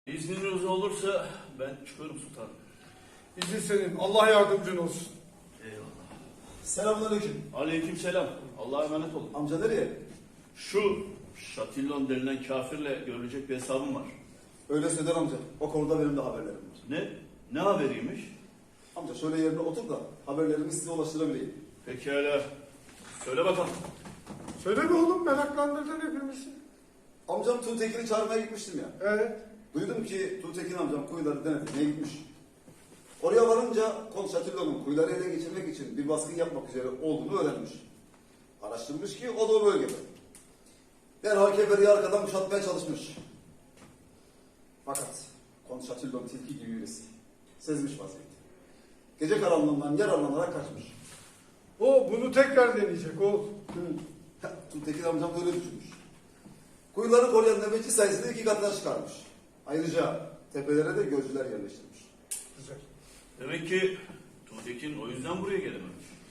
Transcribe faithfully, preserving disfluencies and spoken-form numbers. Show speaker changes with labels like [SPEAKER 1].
[SPEAKER 1] İzniniz olursa ben çıkıyorum sultanım.
[SPEAKER 2] İzin senin. Allah yardımcın olsun.
[SPEAKER 1] Eyvallah.
[SPEAKER 3] Selamünaleyküm.
[SPEAKER 1] Aleykümselam. Allah'a emanet olun.
[SPEAKER 3] Amca nereye?
[SPEAKER 1] Şu Şatillon denilen kafirle görülecek bir hesabım var.
[SPEAKER 3] Öyle Söder amca. O konuda benim de haberlerim var.
[SPEAKER 1] Ne? Ne haberiymiş?
[SPEAKER 3] Amca şöyle yerine otur da haberlerimi size ulaştırabileyim.
[SPEAKER 1] Pekala. Söyle bakalım.
[SPEAKER 2] Söyle be oğlum, meraklandırdın hepimizi.
[SPEAKER 3] Amcam Tuğtekin'i çağırmaya gitmiştim ya.
[SPEAKER 2] Evet.
[SPEAKER 3] Duydum ki Tuğtekin amcam kuyuları denetlemeye gitmiş. Oraya varınca Kont Şatillon'un kuyuları ele geçirmek için bir baskın yapmak üzere olduğunu öğrenmiş. Araştırmış ki o da o bölgede. Derhal keferi arkadan kuşatmaya çalışmış. Fakat Kont Şatillon tilki gibi birisi. Sezmiş vaziyeti. Gece karanlığından yararlanarak kaçmış.
[SPEAKER 2] O bunu tekrar deneyecek oğlum.
[SPEAKER 3] Hı. Tuğtekin amcam da öyle düşünmüş. Kuyuları koruyan nöbetçi sayısını iki katına çıkarmış. Ayrıca tepelere de gözcüler yerleştirmiş.
[SPEAKER 2] Güzel.
[SPEAKER 1] Demek ki Tuğtekin o yüzden buraya gelememiş.